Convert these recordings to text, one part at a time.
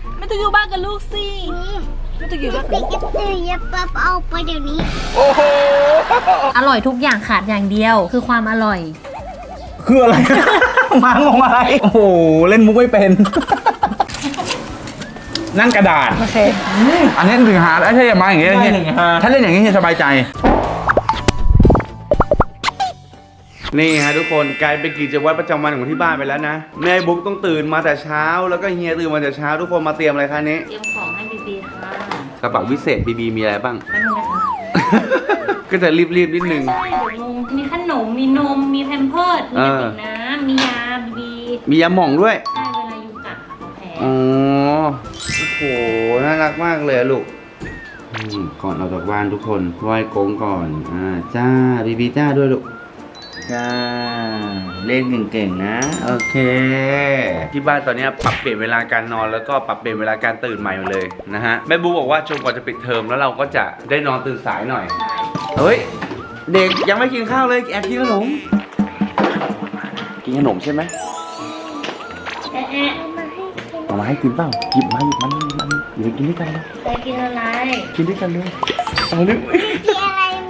ไม่ต้องอยู่บ้านกับลูกสิไม่ต้องอยู่บ้านกับลูกอย่าปั๊บเอาไปเดี๋ยวนี้โอ้โหอร่อยทุกอย่างขาดอย่างเดียว คือความอร่อยคืออะไร มางงอะไร โอ้โห เล่นมุกไม่เป็น นั่นกระดาษโอเคอันนี้ถึงหาแล้วถ้าอย่ามาอย่างนี้ถ้าเล่นอย่างนี้จะสบายใจ นี่ฮะทุกคนกลายเป็นกิจวัตรประจำวันของที่บ้านไปแล้วนะแม่บุ๊กต้องตื่นมาแต่เช้าแล้วก็เฮียตื่นมาแต่เช้าทุกคนมาเตรียมอะไรคะนี้เตรียมของให้บีบีค่ะกระเป๋าวิเศษบีบีมีอะไรบ้างแป๊บนึงนะคะก็จะรีบนิดนึงใช่เดี๋ยวงงมีขนม มีนม มีแพมเพิร์สมีกระติกน้ำมียาบีบีมียาหม่องด้วยใช่เวลายุงกัดค่ะเขาแพ้อ๋อโอ้โหน่ารักมากเลยอะลูกก่อนออกจากบ้านทุกคนไหว้กงก่อนจ้าบีบีจ้าด้วยลูกจ้าเล่นเก่งๆนะโอเคที่บ้านตอนนี้ปรับเปลี่ยนเวลาการนอนแล้วก็ปรับเปลี่ยนเวลาการตื่นใหม่หมดเลยนะฮะแม่บูบอกว่าจนกว่าจะปิดเทอมแล้วเราก็จะได้นอนตื่นสายหน่อยเฮ้ยเด็กยังไม่กินข้าวเลยแอบกินขนมกินขนมใช่ไหมแอะแอะเอามาให้กินเปล่าหยิบมาเดี๋ยวกินด้วยกันเลยจะกินอะไรกินด้วยกันเลยเอาเลยกินอะไรแม่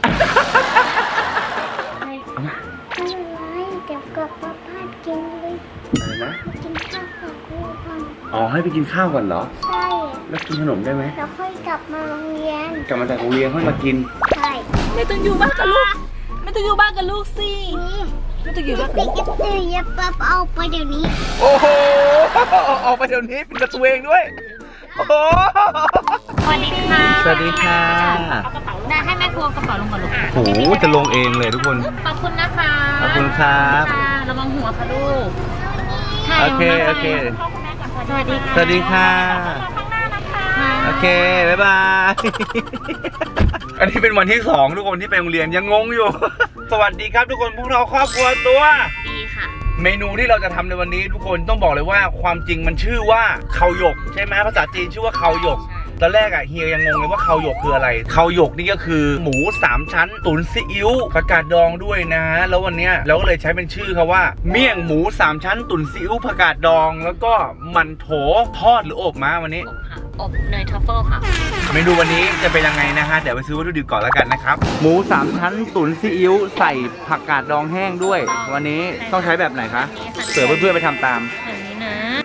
เอามาอะไรเดี๋ยวกับป้ากินเลยอะไรนะกินข้าวกับครูก่อนอ๋อให้ไปกินข้าวก่อนเหรอใช่แล้วกินขนมได้ไหมแล้วค่อยกลับมาโรงเรียนกลับมาจากโรงเรียนค่อยมากินใช่ไม่ต้องอยู่บ้านกับลูกไม่ต้องอยู่บ้านกับลูกสิไม่ต้องอยู่บ้านกับเด็ลูกกอย่าปั๊บเอาไปเดี๋ยวนี้โอ้โหออกไปเดี๋ยวนี้เป็นกระตัวเองด้วยโอ้โหสวัสดีค่ะสวัสดีค่ะได้ให้แม่ครัวกระเป๋าลงก่อนลูกโอ้โหจะลงเองเลยทุกคนขอบคุณนะคะขอบคุณครับค่ะระวังหัวค่ะลูกโอเคโอเคสวัสดีค่ะสวัสดีค่ะโอเคบ๊ายบาย อันนี้เป็นวันที่2ทุกคนที่ไปโรงเรียนยังงงอยู่ สวัสดีครับทุกคนพวกเราครอบครัวตัวดีค่ะเมนูที่เราจะทำในวันนี้ทุกคนต้องบอกเลยว่าความจริงมันชื่อว่าเคาหยกใช่ไหมภาษาจีนชื่อว่าเคาหยกตอนแรกอะเฮียยังงงเลยว่าเคาหยกคืออะไรเคาหยกนี่ก็คือหมู3ชั้นตุ๋นซีอิ๊วผักกาดดองด้วยนะฮะแล้ววันเนี้ยเราก็เลยใช้เป็นชื่อเขาว่าเมี่ยงหมู3ชั้นตุ๋นซีอิ๊วผักกาดดองแล้วก็มันโถทอดหรืออบมาวันนี้อบค่ะ อบเนยทัฟเฟิลค่ะเมนูวันนี้จะเป็นยังไงนะฮะเดี๋ยวไปซื้อวัตถุดิบก่อนแล้วกันนะครับหมู3ชั้นตุ๋นซีอิ๊วใส่ผักกาดดองแห้งด้วย วันนี้ต้องใช้แบบไหนคะเผื่อเพื่อนๆไปทำตามแบบนี้นะ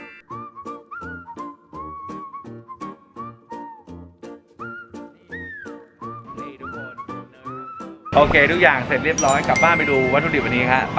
โอเคทุกอย่างเสร็จเรียบร้อยกลับบ้านไปดูวัตถุดิบวันนี้ครับไป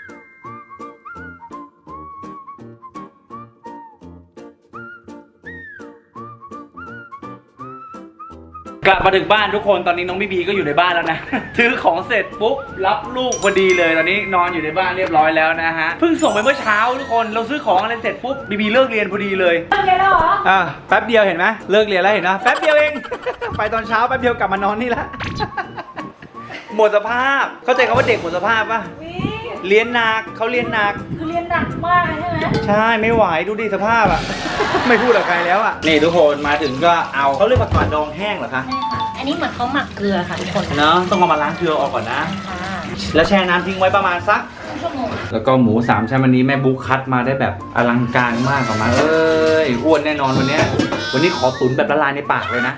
กลับมาถึงบ้านทุกคนตอนนี้น้องบีบีก็อยู่ในบ้านแล้วนะ ซื้อของเสร็จปุ๊บรับลูกพอดีเลยตอนนี้นอนอยู่ในบ้านเรียบร้อยแล้วนะฮะเพิ่งส่งไปเมื่อเช้าทุกคนเราซื้อของอะไรเสร็จปุ๊บบีบีเลิกเรียนพอดีเลยเลิกเรียนแล้วเหรอแป๊บเดียวเห็นไหมเลิกเรียนแล้วเห็นนะแป๊บเดียวเอง ไปตอนเช้าแป๊บเดียวกลับมานอนนี่ละ หมดสภาพเข้าใจคำว่าเด็กหมดสภาพป่ะเรียนหนักเขาเรียนหนักคือเรียนหนักมากใช่ไหมใช่ไม่ไหวดูดิสภาพอ่ะ ไม่พูดกับใครแล้วอ่ะนี่ทุกคนมาถึงก็เอาเขาเรียกผักกาดดองแห้งเหรอคะใช่ค่ะ อันนี้เหมือนเขาหมักเกลือค่ะทุกคนเนาะต้องเอามาล้างเกลือออกก่อนนะค่ะแล้วแช่น้ำทิ้งไว้ประมาณสักชั่วโมงแล้วก็หมู3ชั้นวันนี้แม่บุ๊คคัดมาได้แบบอลังการมากออกมาเอ้ยอ้วนแน่นอนวันเนี้ยวันนี้ขอตุ๋นแบบละลายในปากเลยนะ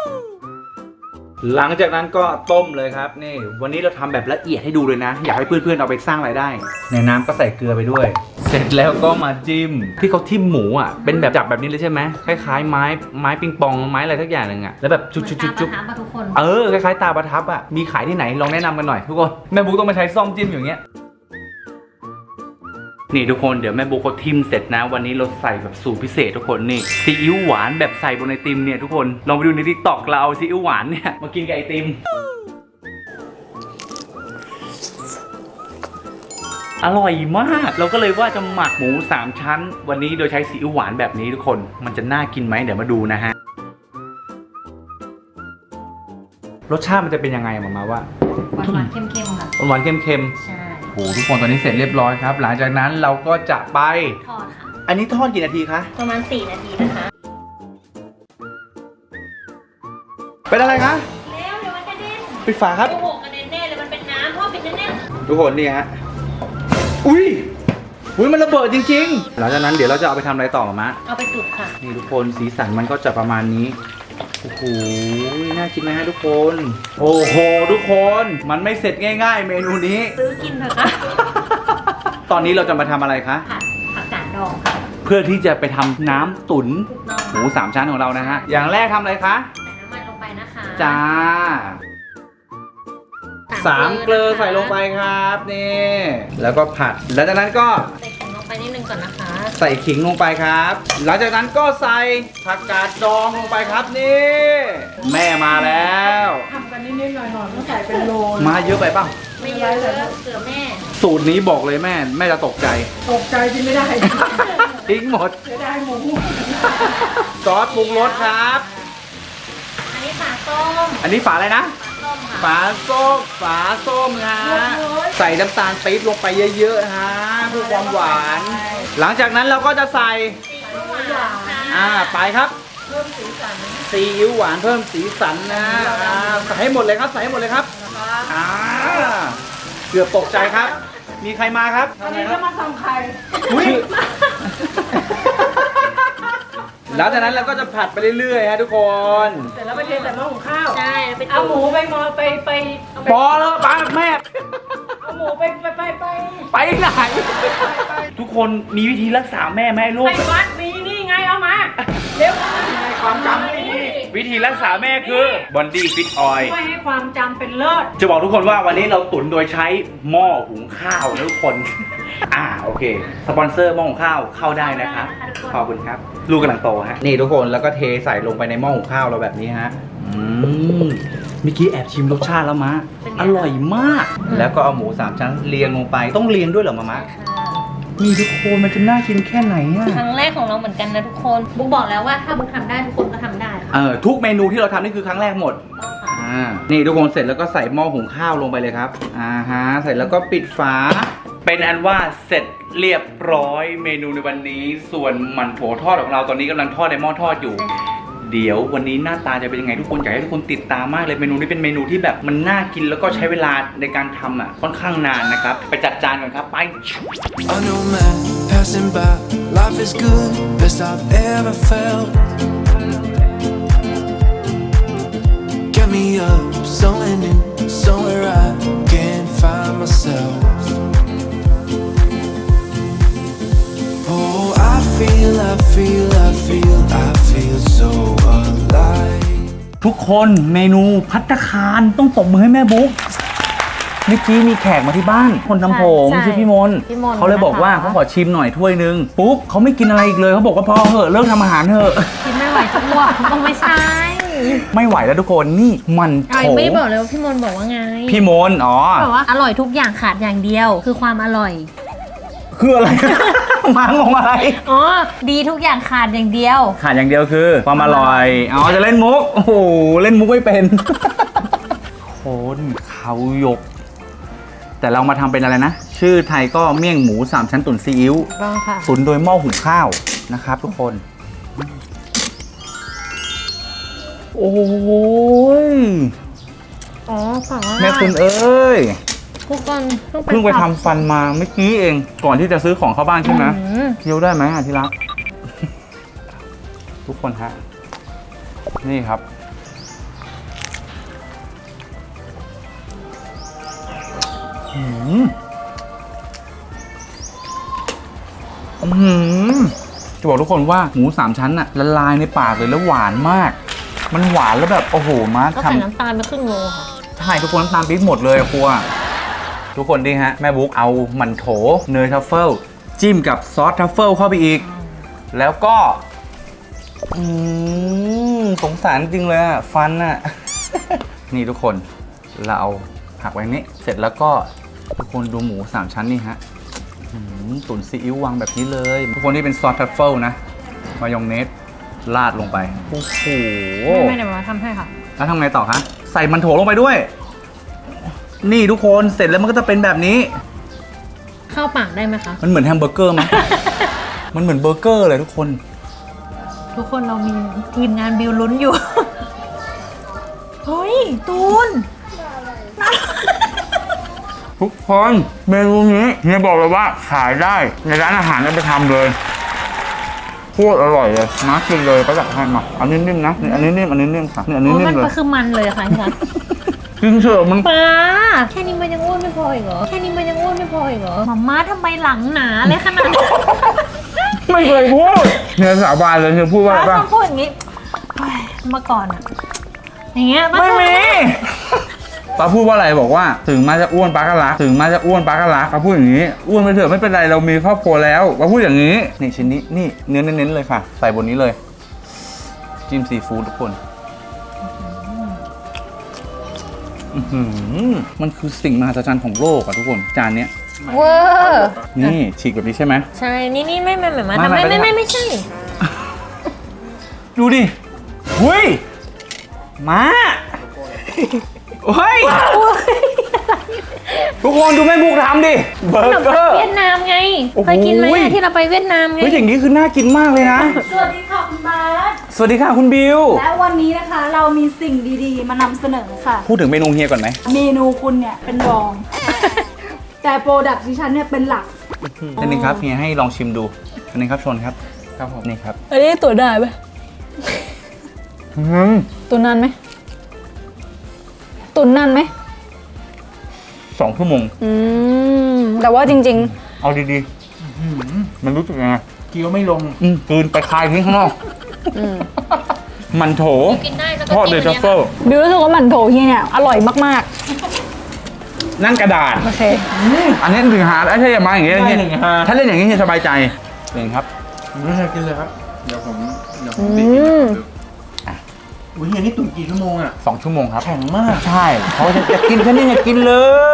หลังจากนั้นก็ต้มเลยครับนี่วันนี้เราทำแบบละเอียดให้ดูเลยนะ อยากให้เพื่อนๆเอาไปสร้างรายได้ ในน้ำก็ใส่เกลือไปด้วย เสร็จแล้วก็มาจิ้มที่เขาทิ่มหมูอ่ะเป็นแบบจับแบบนี้เลยใช่ไหมคล้ายๆไม้ปิงปองไม้อะไรทักอย่างหนึ่งอ่ะแล้วแบบจุ๊บเหมือนตาประทับอะทุกคนคล้ายๆตาประทับอ่ะมีขายที่ไหนลองแนะนำกันหน่อยทุกคนแม่บุ๊กต้องมาใช้ซ่อมจิ้มอย่างเงี้ยนี่ทุกคนเดี๋ยวแม่บุ๊กเขาทิมเสร็จนะวันนี้เราใส่แบบสูตรพิเศษทุกคนนี่ซีอิ๊วหวานแบบใส่บนไอติมเนี่ยทุกคนลองไปดูใน TikTok เราเอาซีอิ๊วหวานเนี่ยมากินกับไอติมอร่อยมากเราก็เลยว่าจะหมักหมู3ชั้นวันนี้โดยใช้ซีอิ๊วหวานแบบนี้ทุกคนมันจะน่ากินไหมเดี๋ยวมาดูนะฮะรสชาติมันจะเป็นยังไงมาว่าหวานๆเค็มๆค่ะหวานๆเค็มๆใช่โอ้โหทุกคนตอนนี้เสร็จเรียบร้อยครับหลังจากนั้นเราก็จะไปทอดค่ะอันนี้ทอดกี่นาทีคะประมาณ4 นาทีนะคะเป็นอะไรคะแล้วเดี๋ยวมันกระเด็นปิดฝาครับโอ้โหกระเด็นแน่เลยมันเป็นน้ำพ่อปิดแน่ทุกคนนี่ฮะอุ้ยอุ้ยมันระเบิดจริงๆหลังจากนั้นเดี๋ยวเราจะเอาไปทำอะไรต่อมะเอาไปจุดค่ะนี่ทุกคนสีสันมันก็จะประมาณนี้โอ้โหน่ากินไหมฮะทุกคน โอ้โหทุกคนมันไม่เสร็จง่ายๆ เมนูนี้ซื้อกินเถอะค่ะตอนนี้เราจะมาทำอะไรคะผัดผักกาดดองค่ะเพื่อที่จะไปทำน้ำตุ๋นถูกต้องหมู3 ชั้นของเรานะฮะอย่างแรกทำอะไรคะใส่น้ำมันลงไปนะคะจ้า3 เกลือใส่ลงไปครับนี่แล้วก็ผัดแล้วจากนั้นก็ใส่ขิงลงไปนิดนึงก่อนนะคะใส่ขิงลงไปครับ หลังจากนั้นก็ใส่ผักกาดดองลงไปครับนี่ แม่มาแล้วทำกันนิดๆหน่อยๆต้องใส่เป็นโลมาเยอะไปป่ะไม่เยอะเกลือแม่สูตรนี้บอกเลยแม่จะตกใจตกใจกินไม่ได้ทิ้งหมดจะได้หมูซอสปรุงรสครับอันนี้ฝาต้มอันนี้ฝาอะไรนะฝาต้มค่ะฝาส้มฮะใส่น้ำตาลปี๊บลงไปเยอะๆฮะเพื่อความหวาน หลังจากนั้นเราก็จะใส่ซีอิ๊วหวานค่ะไปครับเพิ่มสีสันซีอิ๊วหวานเพิ่มสีสันนะใส่ให้หมดเลยครับใส่ให้หมดเลยครับนะคะเกือบตกใจครับ มีใครมาครับอันนี้จะมาทำไข่อุ๊ยแล้วจากนั้นเราก็จะผัดไปเรื่อยๆฮะทุกคนเสร็จแล้วไปเทใส่หม้อหุงข้าวใช่ไปเอาหมูไปมอไปพอแล้วป้าแม่เอาหมูไปไปไหน ทุกคนมีวิธีรักษาแม่ไหมลูไปกวัดมีนี่ไงเอามาเร็วความจำไม่ดีวิธีรักษาแม่คือบอนดี้ฟิตออยไม่ให้ความจำเป็นเลิศจะบอกทุกคนว่าวันนี้เราตุ๋นโดยใช้หม้อหุงข้าวนะทุกคน โอเค สปอนเซอร์หม้อหุงข้าวเข้าได้นะครับ ขอบคุณครับ ลูกกำลังโตฮะ นี่ทุกคนแล้วก็เทใส่ลงไปในหม้อหุงข้าวเราแบบนี้ฮะเมื่อกี้แอบชิมรสชาติแล้วมะ อร่อยมาก แล้วก็เอาหมู3 ชั้นเรียงลงไป ต้องเรียงด้วยเหรอมะ นี่ทุกคนมันจะน่ากินแค่ไหนอะครั้งแรกของเราเหมือนกันนะทุกคนบุ๊กบอกแล้วว่าถ้าบุ๊กทำได้ทุกคนก็ทำได้ค่ะทุกเมนูที่เราทำนี่คือครั้งแรกหมด นี่ทุกคนเสร็จแล้วก็ใส่หม้อหุงข้าวลงไปเลยครับเสร็จแล้วก็ปิดฝา เป็นอันว่าเสร็จเรียบร้อยเมนูในวันนี้ ส่วนหมั่นโถทอดของเราตอนนี้กำลังทอดในหม้อทอดอยู่ เดี๋ยววันนี้หน้าตาจะเป็นยังไงทุกคนอยากให้ทุกคนติดตามมากเลยเมนูนี้เป็นเมนูที่แบบมันน่ากินแล้วก็ใช้เวลาในการทำค่อนข้างนานนะครับไปจัดจานก่อนครับไป I know man passing by, life is good, best I've ever felt. Get me up, somewhere new, somewhere I can find myself. Oh, I feel so alive. ทุกคนเมนูภัตตาคารต้องตบมือให้แม่บุ๊กเมื่อกี้มีแขกมาที่บ้านคนทำผมใช่ชื่อพี่มนต์พี่มนต์เขาเลยบอกว่านะคะเขาขอชิมหน่อยถ้วยนึงปุ๊บเขาไม่กินอะไรอีกเลยเขาบอกว่าพอเหอะเลิกทำอาหารเถอะกินไม่ไหวทั่วต้องไม่ใช่ไม่ไหวแล้วทุกคนนี่มันโถไม่ได้บอกเลยว่าพี่มนต์บอกว่าไงพี่มนต์บอกว่าอร่อยทุกอย่างขาดอย่างเดียว คือความอร่อยคืออะไร มางงอะไรอ๋อดีทุกอย่างขาดอย่างเดียวขาดอย่างเดียวคือความอร่อยจะเล่นมุกโอ้โหเล่นมุกไม่เป็น คนเขายก แต่เรามาทำเป็นอะไรนะ ชื่อไทยก็เมี่ยงหมู3 ชั้นตุ๋นซีอิ๊วต้องค่ะตุ๋นโดยหม้อหุงข้าวนะครับทุกคน โอ้ยอ๋อฝั่งว่าแม่คุณเอ้ยทุกคนเพิ่งไปทำฟันมาเมื่อกี้เอง ก่อนที่จะซื้อของเข้าบ้านใช่ไหมเคี้ยวได้ไหมที่รัก ทุกคนฮะ นี่ครับจะบอกทุกคนว่าหมู3 ชั้นอะละลายในปากเลยแล้วหวานมาก มันหวานแล้วแบบโอ้โหมาร์คก็ทำใส่น้ำตาลไปครึ่งโลค่ะใช่ทุกคนน้ำตาลปี๊บหมดเลยอะครัวทุกคนดีฮะแม่บุ๊กเอาหมั่นโถเนยทัฟเฟิลจิ้มกับซอสทัฟเฟิลเข้าไปอีก แล้วก็สงสารจริงเลยอะฟันอะ นี่ทุกคนเราเอาหักไว้นี้เสร็จแล้วก็ทุกคนดูหมู3 ชั้นนี่ฮะตุ๋นซีอิ๊ววางแบบนี้เลยทุกคนที่เป็นซอสทัฟเฟิลนะมายองเนสราดลงไปโอ้โหไม่เดี๋ยวมาทำให้ค่ะแล้วทำไงต่อคะใส่มันโถลงไปด้วยนี่ทุกคนเสร็จแล้วมันก็จะเป็นแบบนี้เข้าปากได้ไหมคะมันเหมือนแฮมเบอร์เกอร์มั้ย มันเหมือนเบอร์เกอร์เลยทุกคนทุกคนเรามีทีมงานบิวลุ้นอยู่ เฮ้ยตูนทุกคนเมนูนี้เฮียบอกเลยว่าขายได้ในร้านอาหารเอาไปทำเลยโคตรอร่อยเลยมากินเลยก็จะให้มาอันนี้นิ่มนะนี่อันนี้นิ่มอันนี้นิ่มค่ะนี่อันนี้โอ้นิ่มัมนเลยก็คือมันเลยค่ะพี่คะกินเถอะมันป้าแค่นี้มันยังอ้วนไม่พออีกเหรอแค่นี้มันยังอ้วนไม่พออีกเหรอหม่าม่าทำไมหลังหนาเลยขนาดนั้นไม่เคยพูดเฮียสาบานเลยเฮียพูดว่าอะไรป้าป่ะต้องพูดอย่างนี้เฮ้ยเมื่อก่อนอะอย่างเงี้ยป้าไม่มีป้าพูดว่าอะไรบอกว่าถึงมาจะอ้วนป้าก็รักถึงมาจะอ้วนป้าก็รักป้าพูดอย่างนี้อ้วนไปเถอะไม่เป็นไรเรามีครอบครัวแล้วป้าพูดอย่างนี้นี่ชิ้นนี้นี่เนื้อเน้นๆเลยค่ะใส่บนนี้เลยจิ้มซีฟู้ดทุกคนมันคือสิ่งมหัศจรรย์ของโลกอะทุกคนจานเนี้ยเวอร์นี่ฉีกแบบนี้ใช่ไหมใช่นี่ไม่หม่าม่าไม่ทำไม่ไม่ใช่ดูดิหุ้ยมาโอ้ยทุกคนดูแม่บุกทำดิเบอขนมร์เกปัอง ร์เวียดนามไงโอ้โหเคยกินไหมอะที่เราไปเวียดนามไงเฮ้ยอย่างนี้คือน่ากินมากเลยนะสวัสดีค่ะคุณบาสสวัสดีค่ะคุณบิวและวันนี้นะคะเรามีสิ่งดีๆ มานำเสนอค่ะพูดถึงเมนูเฮียก่อนไหมเมนูคุณเนี่ยเป็นรอง แต่โปรดักต์ดิฉันเนี่ยเป็นหลักอันนึงครับเฮียให้ลองชิมดูอันนึงครับชนครับครับผมนี่ครับอันนี้ตัวได้ไหมตัวนานไหมตุนนานไหม 2 ชั่วโมงแต่ว่าจริงเอาดีๆมันรู้สึกยังไงเคี้ยวไม่ลงกลืนไปคายทิ้งข้างนอกมันโถกินได้แล้วก็ทอดเดจิ้มทัฟเฟิลๆ บิวรู้สึกว่าหมันโถเฮียเนี่ยอร่อยมากนั่นกระดาษๆ โอเคอันนี้ถึงหาแล้วถ้าอย่ามาอย่างเงี้ยได้หนึ่งฮะถ้าเล่นอย่างนี้เฮียสบายใจเองครับผมไม่เคยกินเลยครับ เดี๋ยวผมอืบีบกินมดูอุ้ยเฮียนี่ตุ๋นกี่ชั่วโมงอ่ะ 2 ชั่วโมงครับแข็งมากใช่เขาจะกินแค่นี้กินเลย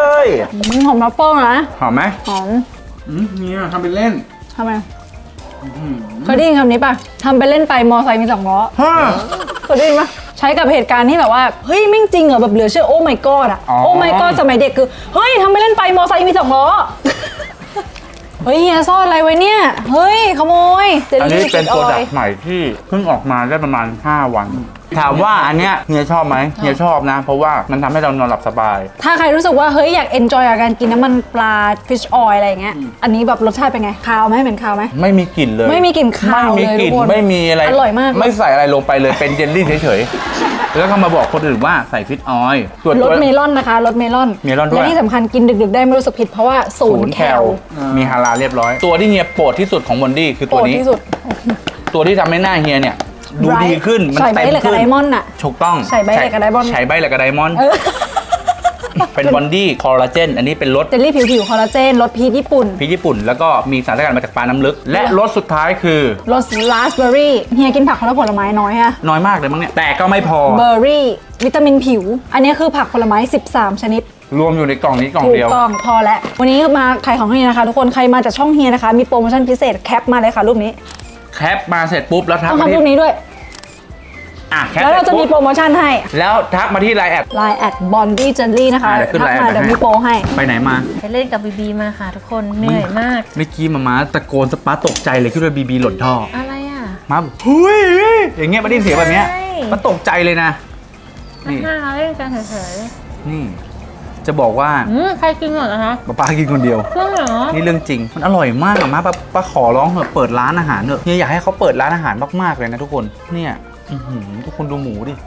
หอมทัฟเฟิลนะหอมไหมหอมเนี่ยทำเป็นเล่นทำไมเคยได้ยินคำนี้ป่ะทำไปเล่นไปมอไซค์มี2 ล้อฮะเคยได้ยินป่ะใช้กับเหตุการณ์ที่แบบว่าเฮ้ยไม่งจริงเหรอแบบเหลือเชื่อโอ้ my god อะโอ้ my god สมัยเด็กคือเฮ้ยทำไปเล่นไปมอไซค์มี2 ล้อ เฮ้ยเฮียซ่อนอะไรไว้เนี่ยเฮ้ยขโมยเจลอันนี้ลี่เป็นอโปรอดักยต์ใหม่ที่เพิ่งออกมาได้ประมาณ 5 วัน ถามว่าอันเนี้ยเฮียชอบไหมเฮียชอบนะ เพราะว่ามันทำให้เรานอนหลับสบายถ้าใครรู้สึกว่าเฮ้ยอยากเอนจอยกับการกินน้ำมันปลา fish oil อะไรอย่างเงี้ยอันนี้แบบรสชาติเป็นไงคาวไหมเหม็นคาวไหมไม่มีกลิ่นเลยไม่มีกลิ่นคาวไม่มีกลิ่นเลยทุกคนไม่มีอะไรอร่อยมากไม่ใส่อะไรลงไปเลยเป็นเจลลี่เฉยๆแล้วก็มาบอกคนอื่นว่าใส่ฟิตออยล์ส่วนรตัวสเมลอนนะคะรสเมลอนเมลอนด้วยและที่สำคัญกินดึกๆได้ไม่รู้สึกผิดเพราะว่าศูนย์แคลมีฮาลาลเรียบร้อย ตัวที่เฮียโปรดที่สุดของบอนดี้คือโปตัรวดนี้ที่สุดตัวที่ทำให้หน้าเฮียเนี่ยดูดีขึ้นมันใส่ใบเต็มเหล็กกับขึ้นไดมอนด์อะถูกต้องใส่ใบเหล็กกับไดมอนด์ใช้ใบเหล็กกับไดมอนด์เออเป็นบอนดี้คอลลาเจนอันนี้เป็นรสเจลลี่ผิวๆคอลลาเจนรสพีชญี่ปุ่นพริกญี่ปุ่น แล้วก็มีสารสกัดมาจากปลาน้ำลึก และรสสุดท้ายคือรสราสเบอร์รี่เฮียกินผักคนละผลไม้น้อยฮะน้อยมากเลยมั้งเนี่ยแต่ก็ไม่พอเบอร์รี่วิตามินผิว อันนี้คือผักผลไม้13 ชนิดรวมอยู่ในกล่องนี้กล่องถูกเดียวต้องพอแล้ววันนี้มาขายของเฮียนะคะทุกคนใครมาจากช่องเฮียนะคะมีโปรโมชั่นพิเศษแคปมาเลยค่ะรูปนี้แคปมาเสร็จปุ๊บแล้วทักต้องมาทำรูที่ปนี้ด้วยอ่ะแคปแล้วเสร็เราจจะมีปุ๊บโปรโมชั่นให้แล้วทักมาที่ไลน์แอด Line แอดบอนดี้เจลลี่นะคะเดี๋ยวขึ้นทัก Line มาแอดเดี๋ยวให้มีโปรให้ไปไหนมาไปเล่นกับบีบีมาค่ะทุกคนเหนื่อยมากเมื่อกี้มาตะโกนสปาตกใจเลยคิดว่าบีบีหล่นท่ออะไรอ่ะมาบอกเฮ้ยอย่างเงี้ยมาได้ยินเสียงแบบเนี้ยใช่มันตกใจเลยนะ นี่น่าเล่นกันเฉยนี่ จะบอกว่าใครกินหมดนะคะป้ากินคนเดียวเครื่องเหรอนี่เรื่องจริง มันอร่อยมากอะมาป้าขอร้องเถอะเปิดร้านอาหารเถอะเนี่ยอยากให้เขาเปิดร้านอาหารมากๆเลยนะทุกคน เนี่ยอื้อหือทุกคนดูหมูดิ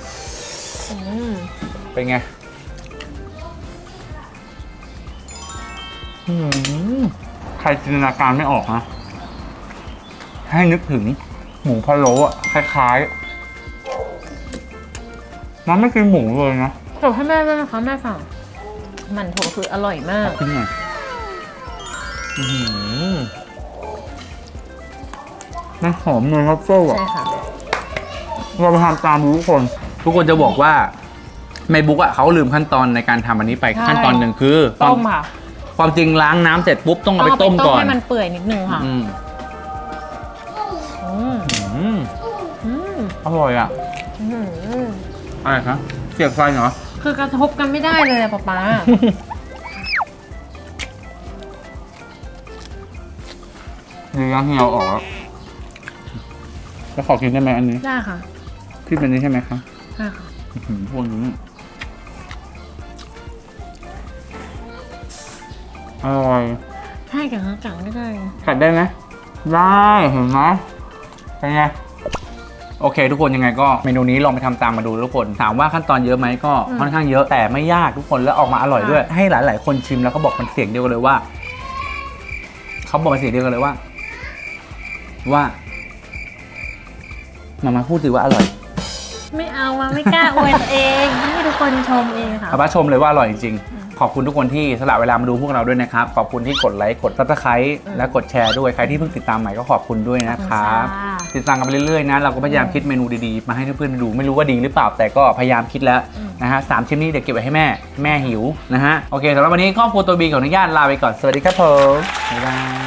เป็นไงอื้อหือใครจินตนาการไม่ออกนะ ให้นึกถึงหมูพะโล้อะคล้ายๆมันไม่กินหมูเลยนะจบให้แม่ด้วยนะคะแม่สั่งหมันโถคืออร่อยมากกินหน่อยอื้อหือมันหอมเนยครับเฟิลอะใช่ค่ะเราไปทำตามทุกคน ทุกคนจะบอกว่าในบุ๊กอะเขาลืมขั้นตอนในการทำอันนี้ไปใช่ขั้นตอนหนึ่งคือต้มค่ะความจริงล้างน้ำเสร็จปุ๊บต้องเอาไปต้มก่อนให้มันเปื่อยนิดนึงค่ะอืมอืมอืมอืมอร่อยอะอืมอะไรครับเสียบไฟเหรอคือกระทบกันไม่ได้เลยอะป๊าป๊าดีนะที่เราออกแล้วขอกินได้ไหมอันนี้ได้ค่ะที่เป็นนี้ใช่ไหมครับได้ค่ะอื้อหือพวกนี้อร่อยใช่กับกังได้กัดได้ไหมได้เห็นไหมเป็นไงโอเค ทุกคนยังไงก็เมนูนี้ลองไปทำตามมาดูทุกคนถามว่าขั้นตอนเยอะไหมก็ค่อนข้างเยอะแต่ไม่ยากทุกคนแล้วออกมาอร่อยด้วย ให้หลายๆคนชิมแล้วเขาบอกมันเสียงเดียวกันเลยว่าเขาบอกเป็นเสียงเดียวกันเลยว่ามาพูดสิว่าอร่อยไม่เอามาไม่กล้าอวยตัวเองให้ทุกคนชมเองค่ะอาป้าชมเลยว่าอร่อยจริงๆขอบคุณทุกคนที่สละเวลามาดูพวกเราด้วยนะครับขอบคุณที่กดไลค์กด Subscribe และกดแชร์ด้วยใครที่เพิ่งติดตามใหม่ก็ขอบคุณด้วยนะครับขอบคุณค่ะติดตามกันไปเรื่อยๆนะเราก็พยายามคิดเมนูดีๆมาให้เพื่อนๆดูไม่รู้ว่าดีหรือเปล่าแต่ก็พยายามคิดแล้วนะฮะ3ชิ้นนี้เดี๋ยวเก็บไว้ให้แม่หิวนะฮะโอเคสำหรับวันนี้ครอบครัวตัวบีขออนุญาตลาไปก่อนสวัสดีครับผมบ๊ายบาย